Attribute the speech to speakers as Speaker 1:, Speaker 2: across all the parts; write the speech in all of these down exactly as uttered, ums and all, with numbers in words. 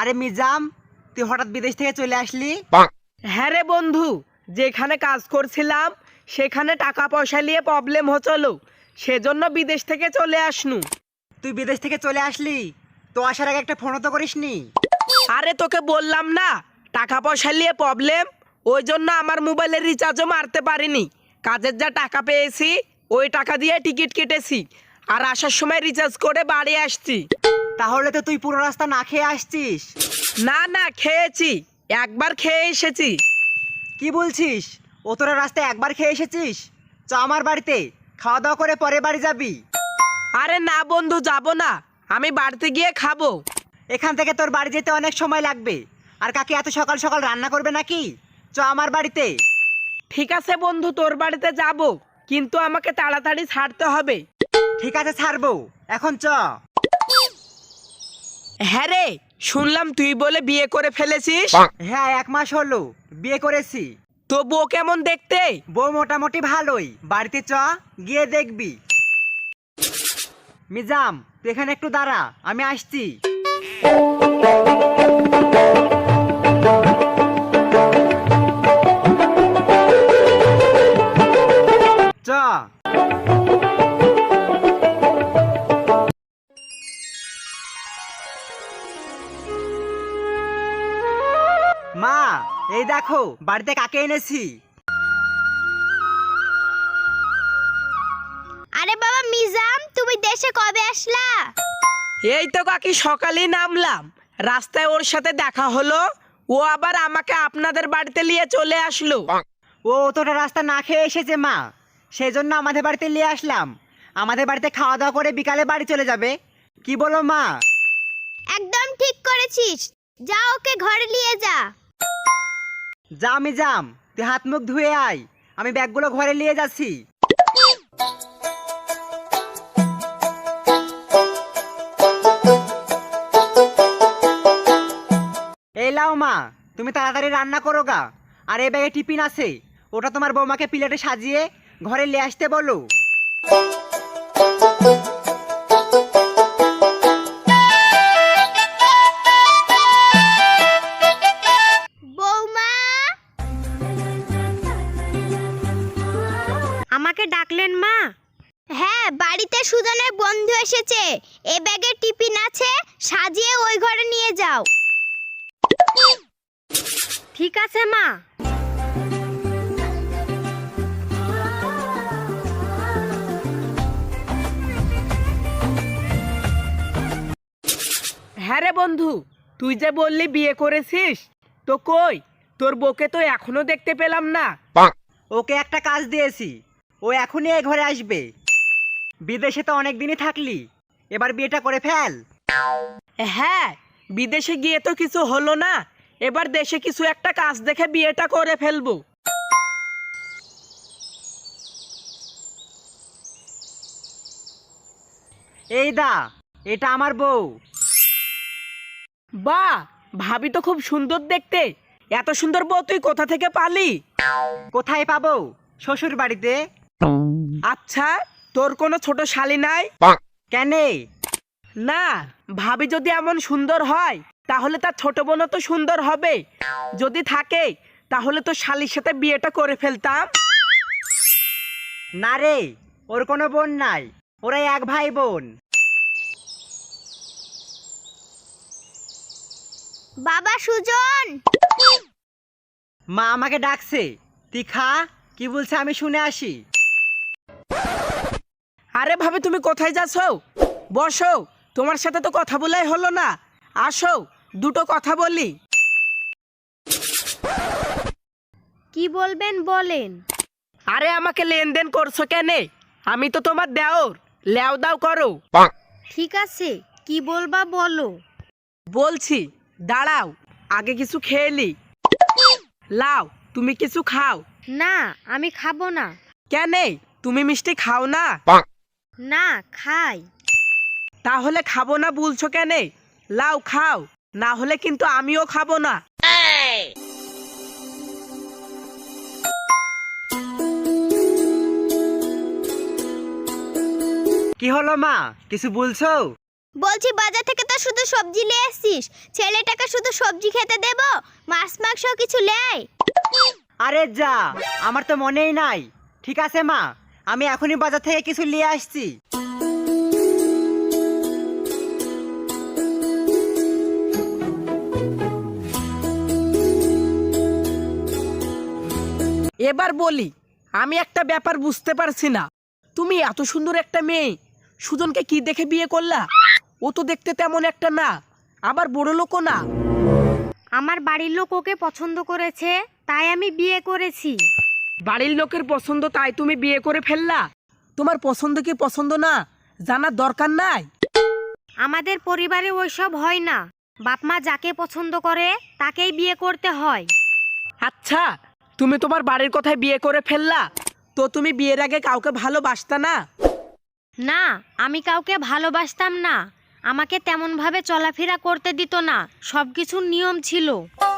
Speaker 1: আরে মিজাম, তুই হঠাৎ বিদেশ থেকে চলে আসলি?
Speaker 2: হ্যাঁ রে বন্ধু, যেখানে কাজ করছিলাম সেখানে টাকা পয়সা নিয়ে প্রবলেম হচ্ছিল, সেজন্য বিদেশ থেকে চলে আসনু।
Speaker 1: তুই বিদেশ থেকে চলে আসলি, তো আসার আগে একটা ফোনও তো করিসনি?
Speaker 2: আরে তোকে বললাম না টাকা পয়সা নিয়ে প্রবলেম, ওই জন্য আমার মোবাইলের রিচার্জও মারতে পারিনি। কাজের যা টাকা পেয়েছি ওই টাকা দিয়ে টিকিট কেটেছি, আর আসার সময় রিচার্জ করে বাড়ি আসছি।
Speaker 1: তাহলে তো তুই পুরো রাস্তা না খেয়ে আসছিস।
Speaker 2: না না, খেয়েছি, একবার খেয়ে এসেছি।
Speaker 1: কি বলছিস? ও তোরা রাস্তায় একবার খেয়ে এসেছিস? চ আমার বাড়িতে, খাওয়া দাওয়া করে পরে বাড়ি যাবি।
Speaker 2: আরে না বন্ধু, যাব না, আমি বাড়িতে গিয়ে খাবো।
Speaker 1: এখান থেকে তোর বাড়ি যেতে অনেক সময় লাগবে, আর কাকি এত সকাল সকাল রান্না করবে নাকি? চ আমার বাড়িতে।
Speaker 2: ঠিক আছে বন্ধু, তোর বাড়িতে যাব, কিন্তু আমাকে তাড়াতাড়ি ছাড়তে হবে।
Speaker 1: ঠিক আছে, ছাড়বো, এখন চ।
Speaker 2: হ্যাঁ রে, শুনলাম তুই বলে বিয়ে করে ফেলেছিস।
Speaker 1: হ্যাঁ, এক মাস হলো বিয়ে করেছি।
Speaker 2: তো বউ কেমন দেখতে?
Speaker 1: বউ মোটামুটি ভালোই, বাড়িতে চ, গিয়ে দেখবি। মিজাম, তুই এখানে একটু দাঁড়া, আমি আসছি। চ। মা, এই দেখো বাড়িতে কাকে এনেছি।
Speaker 3: আরে বাবা মিজাম, তুমি দেশে কবে আসলা?
Speaker 2: এই তো কাকি সকালেই নামলাম, রাস্তায় ওর সাথে দেখা হলো, ও আবার আমাকে আপনাদের বাড়িতে নিয়ে চলে আসলো।
Speaker 1: ও তোটা রাস্তা না খেয়ে এসেছে মা, সেই জন্য আমাদের বাড়িতে নিয়ে আসলাম। আমাদের বাড়িতে খাওয়া দাওয়া করে বিকালে বাড়ি চলে যাবে। কি বলো মা?
Speaker 3: একদম ঠিক করেছিস, যা ওকে ঘরে নিয়ে যা।
Speaker 1: যা মিজাম, তুই হাত মুখ ধুয়ে আয়, আমি ব্যাগগুলো ঘরে নিয়ে যাচ্ছি। এই লাও মা, তুমি তাড়াতাড়ি রান্না করো গা। আর এই ব্যাগে টিফিন আছে, ওটা তোমার বৌমাকে প্লেটে সাজিয়ে ঘরে নিয়ে আসতে বলো।
Speaker 3: বৌমা,
Speaker 4: আমাকে ডাকলেন মা?
Speaker 3: হ্যাঁ, বাড়িতে সুজনের বন্ধু এসেছে, এ ব্যাগে টিফিন আছে, সাজিয়ে ওই ঘরে নিয়ে যাও।
Speaker 4: ঠিক আছে মা।
Speaker 2: হ্যাঁ রে বন্ধু, তুই যে বললি বিয়ে করেছিস, তো কই তোর বউকে তো এখনো দেখতে পেলাম না।
Speaker 1: ওকে একটা কাজ দিয়েছি, ও এখনই এই ঘরে আসবে। বিদেশে তো অনেক দিনই থাকলি, এবার বিয়েটা করে ফেল।
Speaker 2: হ্যাঁ, বিদেশে গিয়ে তো কিছু হলো না, এবার দেশে কিছু একটা কাজ দেখে বিয়েটা করে ফেলবো।
Speaker 1: এই দা, এটা আমার বউ।
Speaker 2: বাহ, ভাবি তো খুব সুন্দর দেখতে, এত সুন্দর বউ তুই কোথা থেকে পালি?
Speaker 1: কোথায় পাবো? শ্বশুর বাড়িতে।
Speaker 2: আচ্ছা, তোর কোনো ছোট শালি নাই?
Speaker 1: কেনে?
Speaker 2: না, ভাবি যদি এমন সুন্দর হয় তাহলে তার ছোট বোনও তো সুন্দর হবে, যদি থাকে তাহলে তো শালির সাথে বিয়েটা করে ফেলতাম।
Speaker 1: না রে, ওর কোনো বোন নাই, ওরা এক ভাই বোন।
Speaker 3: বাবা সুজন,
Speaker 1: মা আমাকে ডাকছে, তুই খা, কি বলছে আমি শুনে আসি।
Speaker 2: আরে ভাবি, তুমি কোথায় যাচ্ছো? বসো, তোমার সাথে তো কথা বলাই হলো না, আসো দুটো কথা বলি।
Speaker 4: কি বলবেন বলেন।
Speaker 2: আরে আমাকে লেনদেন করছো কেনে? আমি তো তোমার দেওর, লেও দাও করো।
Speaker 4: ঠিক আছে, কি বলবা বলো।
Speaker 2: বলছি, দাঁড়াও, আগে কিছু খেয়েলি। লাও, তুমি কিছু খাও।
Speaker 4: না, আমি খাবো না।
Speaker 2: কেনে, তুমি মিষ্টি খাও না?
Speaker 4: না, খাই।
Speaker 2: তাহলে খাবো না বলছো কেনে? লাও খাও, না হলে কিন্তু আমিও খাবো না।
Speaker 1: কি হলো মা, কিছু বলছো?
Speaker 3: বলছি বাজার থেকে তো শুধু সবজি নিয়ে এসছিস, ছেলেটাকে শুধু সবজি খেতে দেব, মাছ মাংস কিছু লেয়?
Speaker 1: আরে যা, আমার তো মনেই নাই। ঠিক আছে মা, আমি এখনই বাজার থেকে কিছু নিয়ে আসছি।
Speaker 2: এবার বলি, আমি একটা ব্যাপার বুঝতে পারছি না। তুমি এত সুন্দর একটা মেয়ে সুজনকে কি দেখে বিয়ে করলা? ও তো দেখতে তেমন একটা না, আবার বড় লোকও না।
Speaker 4: আমার বাড়ির লোক ওকে পছন্দ করেছে, তাই আমি বিয়ে করেছি।
Speaker 2: বাড়ির লোকের পছন্দ তাই তুমি বিয়ে করে ফেললা? তোমার পছন্দ কি পছন্দ না জানার দরকার নাই?
Speaker 4: আমাদের পরিবারে ওইসব হয় না, বাপ মা যাকে পছন্দ করে তাকেই বিয়ে করতে হয়।
Speaker 2: আচ্ছা, তুমি তোমার বাড়ির কথায় বিয়ে করে ফেললা, তো তুমি বিয়ের আগে কাউকে ভালোবাসতা না?
Speaker 4: না, আমি কাউকে ভালোবাসতাম না, আমাকে তেমনভাবে চলাফেরা করতে দিত না, সব কিছুর নিয়ম ছিল।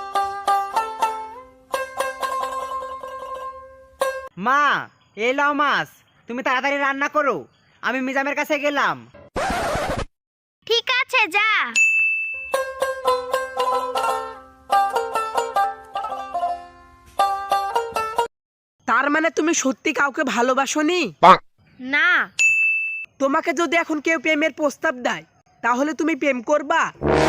Speaker 1: মা, এই লাও মাছ, তুমি তাড়াতাড়ি রান্না করো, আমি মিজামের কাছে গেলাম।
Speaker 3: ঠিক আছে, যা।
Speaker 2: তার মানে তুমি সত্যি কাউকে ভালোবাসোনি?
Speaker 4: না।
Speaker 2: তোমাকে যদি এখন কেউ প্রেমের প্রস্তাব দেয় তাহলে তুমি প্রেম করবা?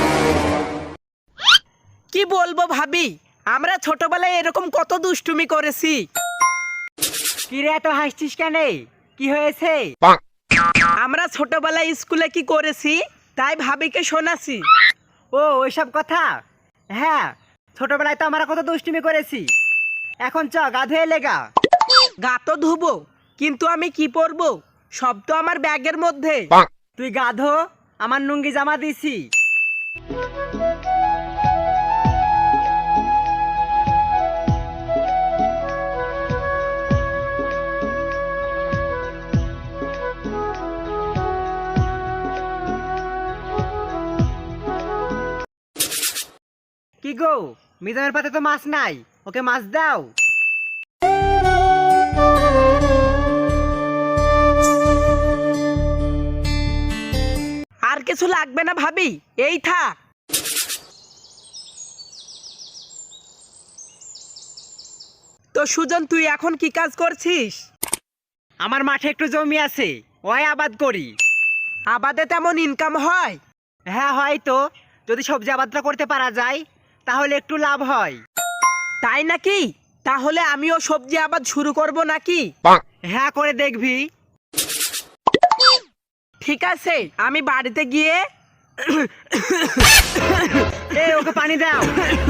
Speaker 2: কি বলবো ভাবি, আমরা ছোটবেলায় এরকম কত দুষ্টুমি করেছি।
Speaker 1: কি রে, এত হাসছিস কেন? কি হয়েছে?
Speaker 2: আমরা ছোটবেলায় স্কুলে কি করেছি তাই ভাবিকে শোনাছি।
Speaker 1: ও, ওইসব কথা? হ্যাঁ, ছোটবেলায় তো আমরা কত দুষ্টুমি করেছি। এখন চ, গা ধুয়ে লেগা।
Speaker 2: গা তো ধুবো, কিন্তু আমি কি পরবো? সব তো আমার ব্যাগের মধ্যে।
Speaker 1: তুই গা ধো, আমার লুঙ্গি জামা দিছি। কি গো, মিজামের পাতে তো মাছ নাই, ওকে মাছ দাও।
Speaker 2: আর কিছু লাগবে না ভাবি, এই থাক। তো সুজন, তুই এখন কি কাজ করছিস?
Speaker 1: আমার মাঠে একটু জমি আছে, ওই আবাদ করি।
Speaker 2: আবাদে তেমন ইনকাম হয়?
Speaker 1: হ্যাঁ, হয়তো যদি সবজি আবাদটা করতে পারা যায় তাহলে একটু লাভ হয়।
Speaker 2: তাই নাকি? তাহলে আমিও সবজি আবাদ শুরু করব নাকি?
Speaker 1: হ্যাঁ, করে দেখবি।
Speaker 2: ঠিক আছে, আমি বাড়িতে গিয়ে
Speaker 1: এ, ওকে পানি দাও।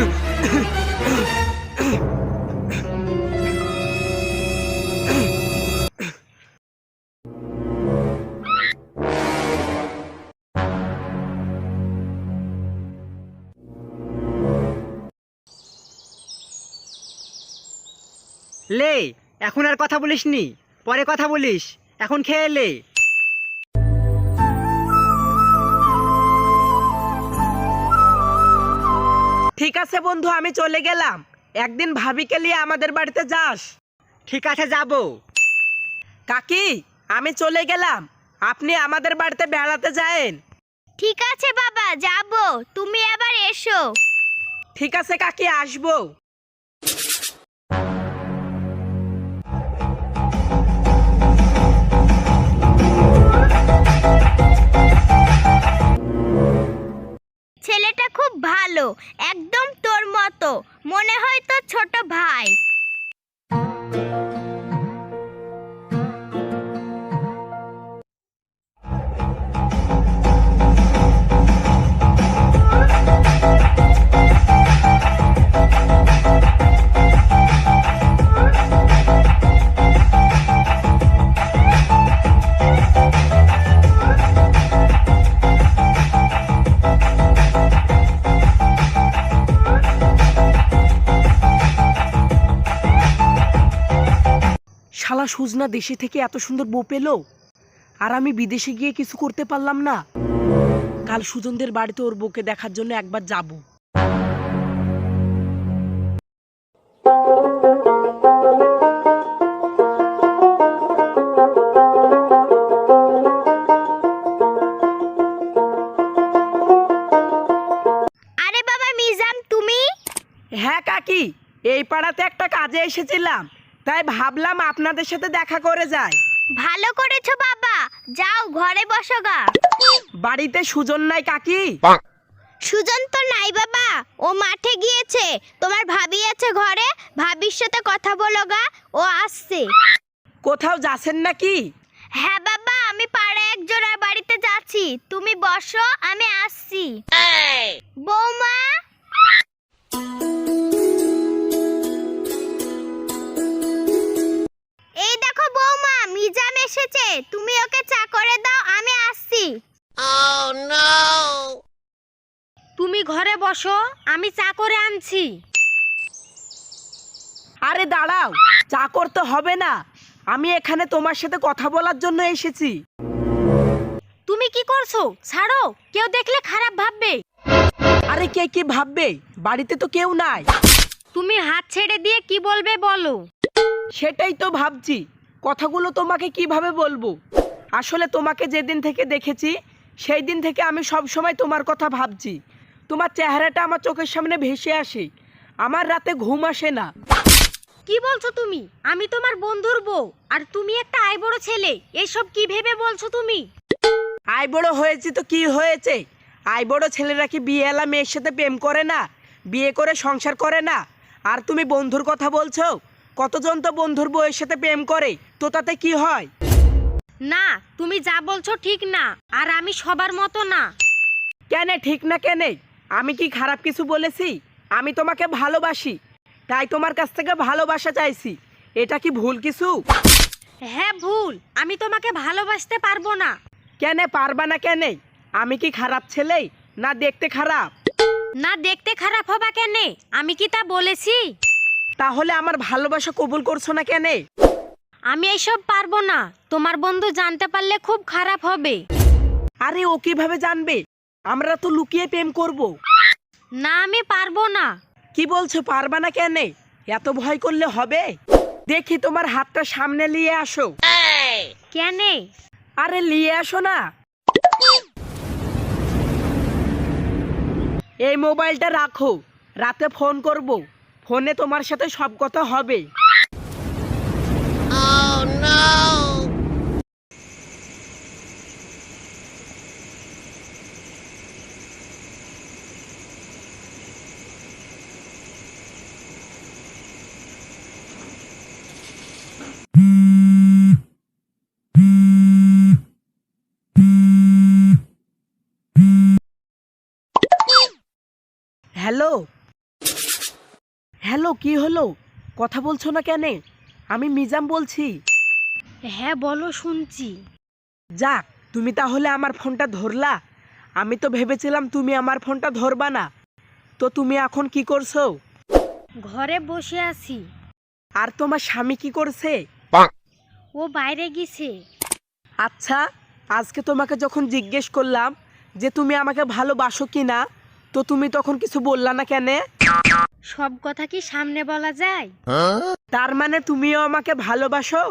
Speaker 1: লে, এখন আর কথা বলিস নি, পরে কথা বলিস, এখন খেয়ে লে।
Speaker 2: ঠিক আছে বন্ধু, আমি চলে গেলাম। একদিন ভাবিকে নিয়ে আমাদের বাড়িতে যাস।
Speaker 1: ঠিক আছে, যাবো।
Speaker 2: কাকি, আমি চলে গেলাম, আপনি আমাদের বাড়িতে বেড়াতে যায়েন।
Speaker 3: ঠিক আছে বাবা, যাব, তুমি আবার এসো।
Speaker 2: ঠিক আছে কাকি, আসবো।
Speaker 3: ছেলেটা খুব ভালো, একদম তোর মতো, মনে হয় তোর ছোট ভাই।
Speaker 2: শালা সুজনা দেশে থেকে এত সুন্দর বউ পেলো, আর আমি বিদেশে গিয়ে কিছু করতে পারলাম না। কাল সুজনদের বাড়িতে ওর বউকে দেখার জন্য একবার যাব। হ্যাঁ কাকি, এই পাড়াতে একটা কাজে এসেছিলাম, তাই ভাবলাম আপনাদের সাথে দেখা করে যাই।
Speaker 3: ভালো করেছো বাবা, যাও ঘরে বসো গা।
Speaker 2: বাড়িতে সুজন নাই কাকি?
Speaker 3: সুজন তো নাই বাবা, ও মাঠে গিয়েছে। তোমার ভাবি আছে ঘরে, ভাবির সাথে কথা বলো গা, ও আসছে।
Speaker 2: কোথাও যাচ্ছেন নাকি?
Speaker 3: হ্যাঁ বাবা, আমি পাড়ে এক জোড়ার বাড়িতে যাচ্ছি, তুমি বসো, আমি আসছি। বৌমা, এই দেখো বৌমা, মিজাম এসেছে, তুমি ওকে চা করে দাও, আমি আসছি।
Speaker 4: তুমি ঘরে বসো, আমি চা করে আনছি।
Speaker 2: আরে দাঁড়াও, চা করতে হবে না, আমি এখানে তোমার সাথে কথা বলার জন্য এসেছি।
Speaker 4: তুমি কি করছো? ছাড়ো, কেউ দেখলে খারাপ ভাববে।
Speaker 2: আরে কে কি ভাববে? বাড়িতে তো কেউ নাই।
Speaker 4: তুমি হাত ছেড়ে দিয়ে কি বলবে বলো।
Speaker 2: সেটাই তো ভাবছি, কথাগুলো তোমাকে কিভাবে বলবো। আসলে তোমাকে যেদিন থেকে দেখেছি সেই দিন থেকে আমি সব সময় তোমার কথা ভাবছি। তোমার চেহারাটা আমার চোখের সামনে ভেসে আসে, আমার রাতে ঘুম আসে না।
Speaker 4: কি বলছো তুমি? আমি তোমার বন্ধুর বউ, আর তুমি একটা আইবড় ছেলে, এসব কি ভেবে বলছো তুমি?
Speaker 2: আই বড় হয়েছি তো কি হয়েছে? আই বড় ছেলেরা কি বিয়েওয়ালা মেয়ের সাথে প্রেম করে না, বিয়ে করে সংসার করে না? আর তুমি বন্ধুর কথা বলছো? কতজন তো বন্ধুর বউয়ের সাথে প্রেম করে, তো তাতে কি হয়?
Speaker 4: না, তুমি যা বলছো ঠিক না, আর আমি সবার মতো না।
Speaker 2: কেন ঠিক না কেন? আমি কি খারাপ কিছু বলেছি? আমি তোমাকে ভালোবাসি, তাই তোমার কাছ থেকে ভালোবাসা চাইছি। এটা কি ভুল কিছু?
Speaker 4: হ্যাঁ ভুল, আমি তোমাকে ভালোবাসতে পারবো না।
Speaker 2: কেন পারবা না কেন? আমি কি খারাপ ছেলে, না দেখতে খারাপ?
Speaker 4: না দেখতে খারাপ হবা কেন? আমি কি তা বলেছি?
Speaker 2: তাহলে আমার ভালোবাসা কবুল করছো না কেন?
Speaker 4: আমি এইসব পারবো না, তোমার বন্ধু জানতে পারলে খুব খারাপ হবে।
Speaker 2: আরে ও কিভাবে জানবে? আমরা তো লুকিয়ে প্রেম করব।
Speaker 4: না, আমি পারবো না।
Speaker 2: কি বলছো পারবা না কেন? এত ভয় করলে হবে? দেখি তোমার হাতটা সামনে নিয়ে আসো।
Speaker 4: কেন?
Speaker 2: আরে নিয়ে আসো না। এই মোবাইলটা রাখো, রাতে ফোন করব, ফোনে তোমার সাথে সব কথা হবে। হ্যালো হ্যালো, কি হলো? কথা বলছো না কেন? আমি মিজাম বলছি।
Speaker 4: হ্যাঁ বলো, শুনছি।
Speaker 2: যাক, তুমি তাহলে আমার ফোনটা ধরলা। আমি তো ভেবেছিলাম তুমি আমার ফোনটা ধরবা না। তো তুমি এখন কি করছো?
Speaker 4: ঘরে বসে আছি।
Speaker 2: আর তোমার স্বামী কি করছে?
Speaker 4: ও বাইরে গেছে।
Speaker 2: আচ্ছা, আজকে তোমাকে যখন জিজ্ঞেস করলাম যে তুমি আমাকে ভালোবাসো কি না, তো তুমি তখন কিছু বললা না কেন?
Speaker 4: সব কথা কি সামনে বলা যায়?
Speaker 2: তার মানে তুমিও আমাকে ভালোবাসো?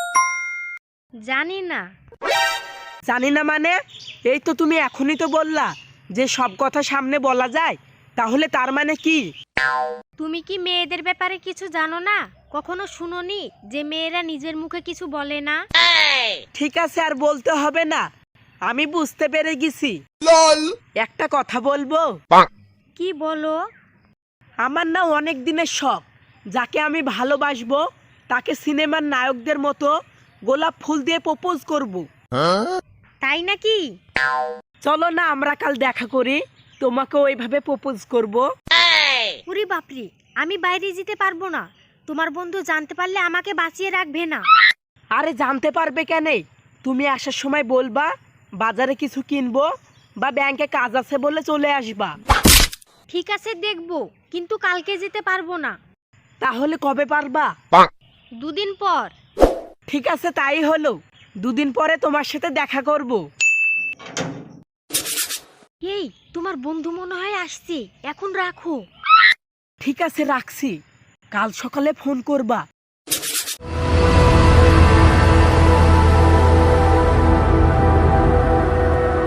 Speaker 4: জানি না।
Speaker 2: জানি না মানে? এই তো তুমি এখনই তো বললা যে সব কথা সামনে বলা যায়, তাহলে তার মানে কি?
Speaker 4: তুমি কি মেয়েদের ব্যাপারে কিছু জানো না? কখনো শুনোনি যে মেয়েরা নিজের মুখে কিছু বলে না?
Speaker 2: ঠিক আছে, আর বলতে হবে না, আমি বুঝতে পেরে গেছি। একটা কথা বলবো?
Speaker 4: কি বলো?
Speaker 2: আমার না অনেক দিনের শখ, যাকে আমি ভালোবাসবো তাকে সিনেমার নায়কদের মতো গোলাপ ফুল দিয়ে প্রপোজ করব।
Speaker 4: তাই নাকি?
Speaker 2: চলো না আমরা কাল দেখা করি, তোমাকে ওইভাবে প্রপোজ করব।
Speaker 4: পুরি বাপরি, আমি বাইরে যেতে পারবো না। তোমার বন্ধু জানতে পারলে আমাকে বাঁচিয়ে রাখবে না।
Speaker 2: আরে জানতে পারবে কেন? তুমি আসার সময় বলবা বাজারে কিছু কিনবো বা ব্যাংকে কাজ আছে বলে চলে আসবা।
Speaker 4: ঠিক আছে, দেখবো, কিন্তু কালকে যেতে পারবো না।
Speaker 2: তাহলে কবে পারবা?
Speaker 4: দুদিন পর।
Speaker 2: ঠিক আছে, তাই হলো, দুদিন পরে তোমার সাথে দেখা করব।
Speaker 4: এই, তোমার বন্ধু মনে হয় আসছে, এখন রাখো।
Speaker 2: ঠিক আছে, রাখছি, কাল সকালে ফোন করবা।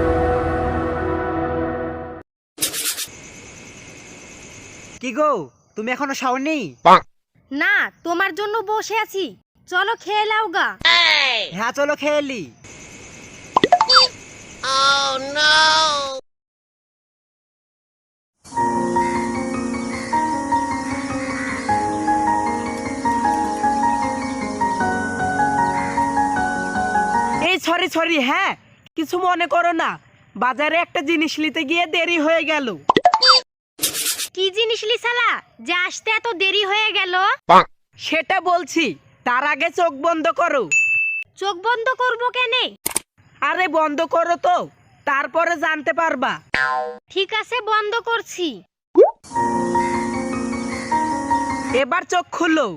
Speaker 1: কি গো, তুমি এখনো শাওনি?
Speaker 4: না, তোমার জন্য বসে আছি, চলো খেয়ে নাও গা।
Speaker 1: হ্যাঁ চলো খেয়ে এলি।
Speaker 2: এই সরি সরি, হ্যাঁ কিছু মনে করো না, বাজারে একটা জিনিস নিতে গিয়ে দেরি হয়ে গেল।
Speaker 4: কি জিনিস লিসালা যে আসতে এত দেরি হয়ে গেল?
Speaker 2: সেটা বলছি, তার আগে চোখ বন্ধ করো।
Speaker 4: চোখ বন্ধ করব কেনে?
Speaker 2: আরে বন্ধ করো তো, তারপরে জানতে পারবা।
Speaker 4: ঠিক আছে, বন্ধ করছি।
Speaker 2: এবার চোখ খুলো।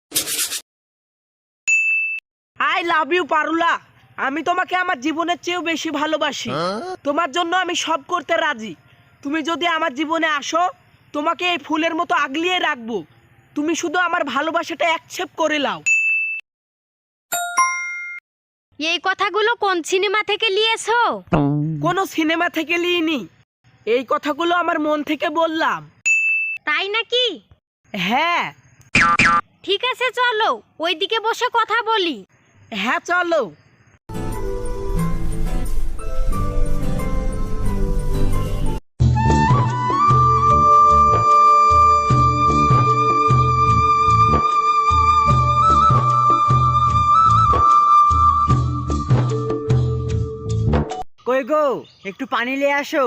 Speaker 2: আই লাভ ইউ পারুলা, আমি তোমাকে আমার জীবনের চেয়েও বেশি ভালোবাসি। তোমার জন্য আমি সব করতে রাজি। তুমি যদি আমার জীবনে আসো, তোমাকে এই ফুলের মতো আগলিয়ে রাখবো। তুমি শুধু আমার ভালোবাসাটা অ্যাকসেপ্ট করে নাও।
Speaker 4: এই কথাগুলো কোন সিনেমা থেকে নিয়েছো?
Speaker 2: কোনো সিনেমা থেকে লিইনি, এই কথাগুলো আমার মন থেকে বললাম।
Speaker 4: তাই নাকি?
Speaker 2: হ্যাঁ।
Speaker 4: ঠিক আছে, চলো ওইদিকে বসে কথা বলি।
Speaker 2: হ্যাঁ চলো।
Speaker 1: কই গো, একটু পানি নিয়ে আসো।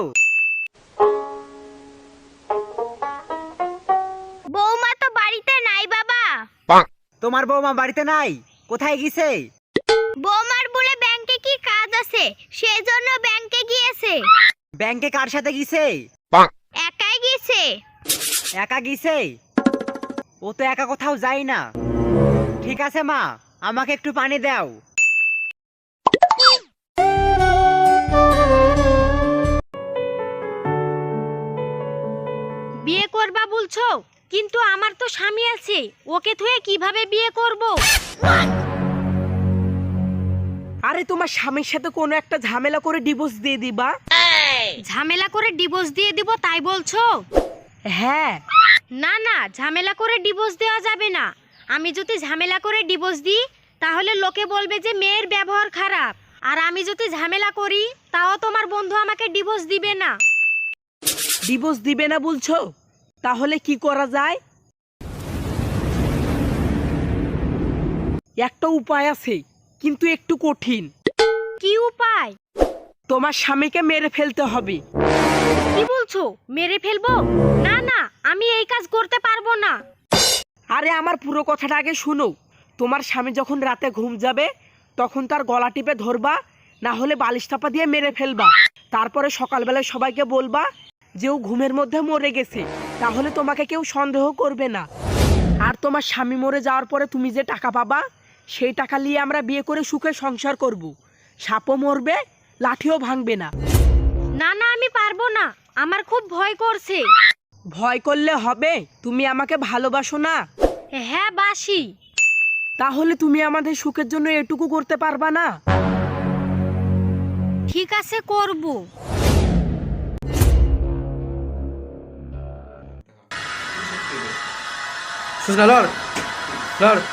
Speaker 3: বৌমা তো বাড়িতে নাই বাবা।
Speaker 1: তোমার বৌমা বাড়িতে নাই? কোথায় গেছে?
Speaker 3: বৌমার বলে ব্যাংকে কি কাজ আছে, সেই জন্য ব্যাংকে গিয়েছে।
Speaker 1: ব্যাংকে কার সাথে গেছে?
Speaker 3: একাই গিয়েছে।
Speaker 1: একা গেছে? ও তো একা কোথাও যায় না। ঠিক আছে মা, আমাকে একটু পানি দাও।
Speaker 4: বিয়ে করবা বলছো, কিন্তু আমার তো স্বামী আছে, ওকে থুয়ে কিভাবে বিয়ে করব?
Speaker 2: আরে তোমার স্বামীর সাথে কোনো একটা ঝামেলা করে ডিভোর্স দিয়ে দিবা।
Speaker 4: ঝামেলা করে ডিভোর্স দিয়ে দিব তাই বলছো?
Speaker 2: হ্যাঁ।
Speaker 4: না না, ঝামেলা করে ডিভোর্স দেওয়া যাবে না। আমি যদি ঝামেলা করে ডিভোর্স দিই তাহলে লোকে বলবে যে মেয়ের ব্যবহার খারাপ, আর আমি যদি ঝামেলা করি তাও তোমার বন্ধু আমাকে ডিভোর্স দিবে না।
Speaker 2: ডিভোর্স দিবে না বলছো? তাহলে কি করা যায়? একটা উপায় আছে, কিন্তু একটু কঠিন।
Speaker 4: কি উপায়?
Speaker 2: তোমার স্বামীকে মেরে ফেলতে হবে।
Speaker 4: কি বলছো, মেরে ফেলবো? না না, আমি এই কাজ করতে পারবো না।
Speaker 2: আরে আমার পুরো কথাটা আগে শুনো। তোমার স্বামী যখন রাতে ঘুম যাবে তখন তার গলা টিপে ধরবা, না হলে বালিশ চাপা দিয়ে মেরে ফেলবা। তারপরে সকালবেলায় সবাইকে বলবা যে ও ঘুমের মধ্যে মরে গেছে, তাহলে তোমাকে কেউ সন্দেহ করবে না। আর তোমার স্বামী মরে যাওয়ার পরে তুমি যে টাকা পাবা, সেই টাকা নিয়ে আমরা বিয়ে করে সুখে সংসার করব। সাপও মরবে, লাঠিও ভাঙবে না।
Speaker 4: না না, আমি পারবো না, আমার খুব ভয় করছে।
Speaker 2: ভয় করলে হবে? তুমি আমাকে ভালোবাসো না?
Speaker 4: হ্যাঁ বাসি।
Speaker 2: তাহলে তুমি আমাদের সুখের জন্য এটুকু করতে পারবা না?
Speaker 4: ঠিক আছে, করব।
Speaker 5: Sus, Lord. Lord.